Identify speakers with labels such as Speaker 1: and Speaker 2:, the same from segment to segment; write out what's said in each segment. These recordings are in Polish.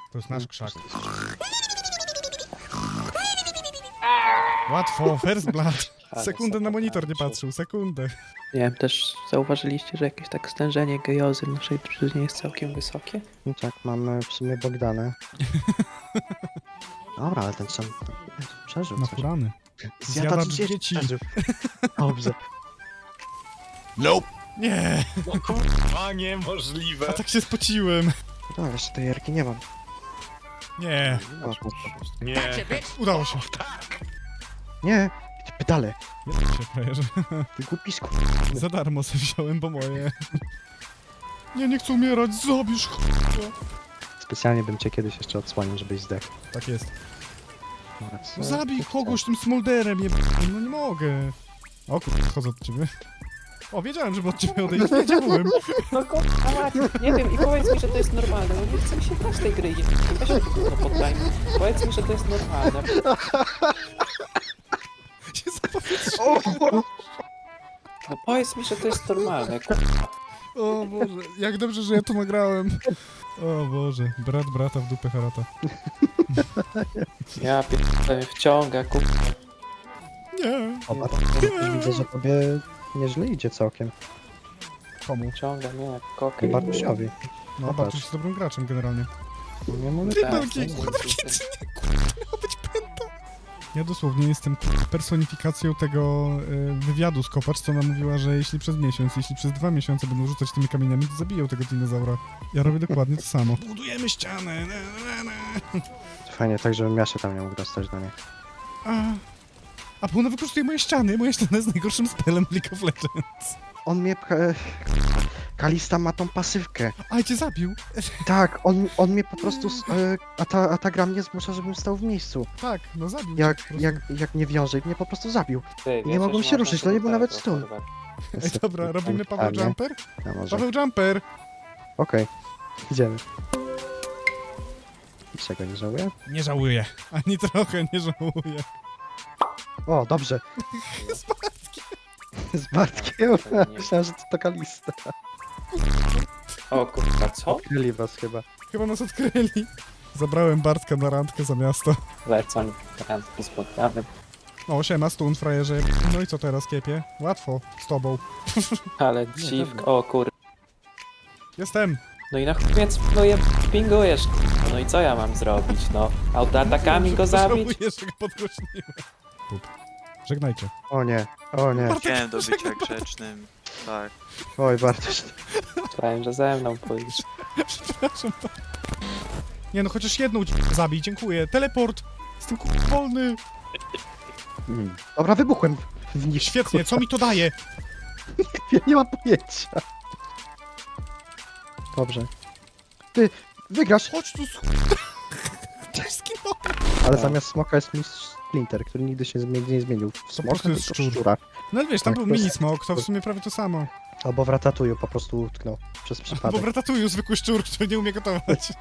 Speaker 1: To jest nasz krzak. Łatwo, first blood. Sekundę na monitor nie patrzył, sekundę.
Speaker 2: Nie wiem, też zauważyliście, że jakieś tak stężenie gejozy w naszej drużynie jest całkiem wysokie?
Speaker 3: No tak, mamy w sumie Bogdanę. Dobra, ale ten sam przeżył coś.
Speaker 1: Naturalny.
Speaker 3: Zjadacz
Speaker 1: Zjadacz
Speaker 3: dzieci
Speaker 1: dzieci.
Speaker 3: przeżył. Dobrze.
Speaker 4: Nope.
Speaker 1: Nie,
Speaker 4: No kurwa, niemożliwe.
Speaker 1: a tak się spociłem.
Speaker 3: No, jeszcze tej jarki nie mam.
Speaker 1: Nie,
Speaker 3: O,
Speaker 4: Nie.
Speaker 1: udało się.
Speaker 3: nie, te pedale.
Speaker 1: Ja się frajerze.
Speaker 3: Ty głupisku.
Speaker 1: Za darmo sobie wziąłem, bo moje. Nie chcę umierać, zabierz ch**a.
Speaker 3: Specjalnie bym cię kiedyś jeszcze odsłonił, żebyś zdechł.
Speaker 1: Tak jest.
Speaker 3: Dobra, co?
Speaker 1: No zabij kogoś tym smolderem, no nie mogę. O kurwa, chodzę od ciebie. O, wiedziałem, żeby od ciebie odejść, wiedziałem.
Speaker 2: No kurwa, nie wiem i powiedz mi, że to jest normalne, bo nie chcę mi się grać tej gry. Weź mi to poddajmy. Powiedz mi, że to jest normalne.
Speaker 1: Się zapowietrzyłem.
Speaker 2: No powiedz mi, że to jest normalne.
Speaker 1: O Boże, jak dobrze, że ja to nagrałem. O Boże, brat brata w dupę harata.
Speaker 2: Ja pierdolę wciąga, kurwa.
Speaker 1: Nie.
Speaker 3: O, już widzę, że tobie nieźle idzie całkiem.
Speaker 1: Komu?
Speaker 2: Wciąga mnie jak
Speaker 3: I
Speaker 2: kokę.
Speaker 3: Bartusiowi.
Speaker 1: No,
Speaker 3: No
Speaker 1: Bartuś
Speaker 3: patrz.
Speaker 1: jest dobrym graczem generalnie.
Speaker 3: Nie mogę
Speaker 2: Tak,
Speaker 1: Pierdolki,
Speaker 2: no,
Speaker 1: kwadrakiecy, nie, kurwa, miała być pęta. Ja dosłownie jestem personifikacją tego wywiadu z Kopacz, co ona mówiła, że jeśli przez miesiąc, jeśli przez 2 miesiące będą rzucać tymi kamieniami, to zabiją tego dinozaura. Ja robię dokładnie to samo. Budujemy ścianę.
Speaker 3: Fajnie, tak żebym ja się tam nie mógł dostać do niej.
Speaker 1: A bo ona wykorzystuje moje ściany. Moja ściana jest najgorszym spelem League of Legends.
Speaker 3: On mnie pcha... Kalista ma tą pasywkę.
Speaker 1: A, cię zabił.
Speaker 3: Tak, on mnie po prostu... a ta gra mnie zmusza, żebym stał w miejscu.
Speaker 1: Tak, no zabił cię po prostu.
Speaker 3: Jak nie wiąże i mnie po prostu zabił.
Speaker 2: Ty,
Speaker 3: Nie
Speaker 2: wiesz,
Speaker 3: mogłem
Speaker 2: że
Speaker 3: się
Speaker 2: można
Speaker 3: ruszyć, to nie był nawet
Speaker 2: tego
Speaker 3: stół.
Speaker 2: porwać.
Speaker 1: Ej, dobra, robimy Paweł Jumper?
Speaker 3: Ja może.
Speaker 1: Paweł Jumper!
Speaker 3: Okej, idziemy. Czego nie żałuję?
Speaker 1: Nie żałuję. Ani trochę nie żałuję.
Speaker 3: O, dobrze.
Speaker 1: Z Bartkiem.
Speaker 3: Z Bartkiem. Myślałem, że to Kalista.
Speaker 2: O kurwa, co?
Speaker 3: Kryli was chyba.
Speaker 1: Chyba nas odkryli. Zabrałem Bartka na randkę za miasto.
Speaker 2: Lecą randki z podkawem.
Speaker 1: O, siema, stun, frajerze. No i co teraz, kiepie? Łatwo, z tobą.
Speaker 2: Ale dziwko, o kur...
Speaker 1: Jestem.
Speaker 2: No i na chuj mnie pingujesz, no i co ja mam zrobić, no? Autoatakami go zabić?
Speaker 1: Żałuję, że go podgłośniłem. Pup. Żegnajcie.
Speaker 3: O nie, o nie.
Speaker 5: Chciałem do bycia grzecznym. Tak.
Speaker 3: Oj, Bartosz.
Speaker 2: Myślałem, że ze mną pójdziesz.
Speaker 1: Przepraszam. Nie no, chociaż jedną zabij, dziękuję. Teleport! Jestem wolny.
Speaker 3: Dobra, wybuchłem w nich.
Speaker 1: Świetnie, co mi to daje?
Speaker 3: Ja nie mam pojęcia. Dobrze. Ty, wygrasz!
Speaker 1: Chodź tu, Cześć, skinąłem.
Speaker 3: Ale zamiast smoka jest mistrz Splinter, który nigdy się nie zmienił. W smoka,
Speaker 1: prostu jest
Speaker 3: tylko
Speaker 1: szczur.
Speaker 3: szczura.
Speaker 1: No ale wiesz, tam
Speaker 3: Tak,
Speaker 1: był
Speaker 3: to jest-
Speaker 1: mini smok, to w sumie prawie to samo.
Speaker 3: Albo w Ratatuju po prostu utknął przez
Speaker 1: Bo
Speaker 3: przypadek.
Speaker 1: w Ratatouille zwykły szczur, który nie umie gotować.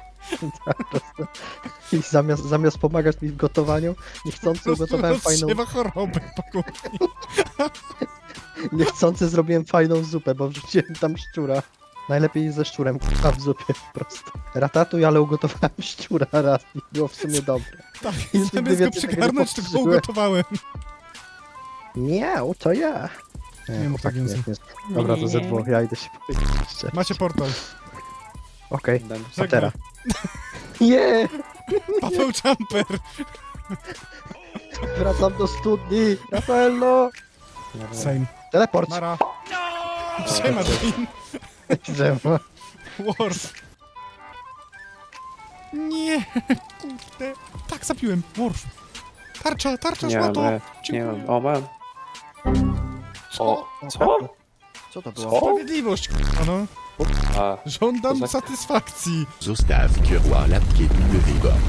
Speaker 3: I zamiast pomagać mi w gotowaniu, niechcący ugotowałem fajną...
Speaker 1: rozsiewa chorobę po kuchni.
Speaker 3: Niechcący zrobiłem fajną zupę, bo wrzuciłem tam szczura. Najlepiej ze szczurem k***a, w zupie po prostu. Ratatuj, ale ugotowałem szczura raz i było w sumie dobre.
Speaker 1: Tak,
Speaker 3: I nigdy
Speaker 1: zamiast go
Speaker 3: więcej tego nie
Speaker 1: przygarnąć, to go
Speaker 3: powtórzyłem.
Speaker 1: ugotowałem.
Speaker 3: Nie, to ja.
Speaker 1: Nie mów tak
Speaker 3: chłopaki,
Speaker 1: więcej.
Speaker 3: Dobra, to ze dwóch, ja idę się powiedzieć jeszcze.
Speaker 1: Macie portal.
Speaker 3: Okej,
Speaker 2: Będę-
Speaker 3: Patera. Nie!
Speaker 1: Paweł Jumper.
Speaker 3: Wracam do studni! Rafaello!
Speaker 1: Same.
Speaker 3: Teleport!
Speaker 1: Mara. Siema, Jane.
Speaker 3: Drzewo.
Speaker 1: Worf. Nie, kurde. Tak, zabiłem. Worf. Tarcza,
Speaker 2: Nie mam,
Speaker 1: złoto.
Speaker 2: nie
Speaker 1: Dziękuję.
Speaker 2: mam, o mam. O, co?
Speaker 3: Co to było?
Speaker 2: Co?
Speaker 1: Sprawiedliwość, k***a, no.
Speaker 2: A,
Speaker 1: Żądam
Speaker 2: To za-
Speaker 1: satysfakcji.
Speaker 4: Zostaw kieroła lepkie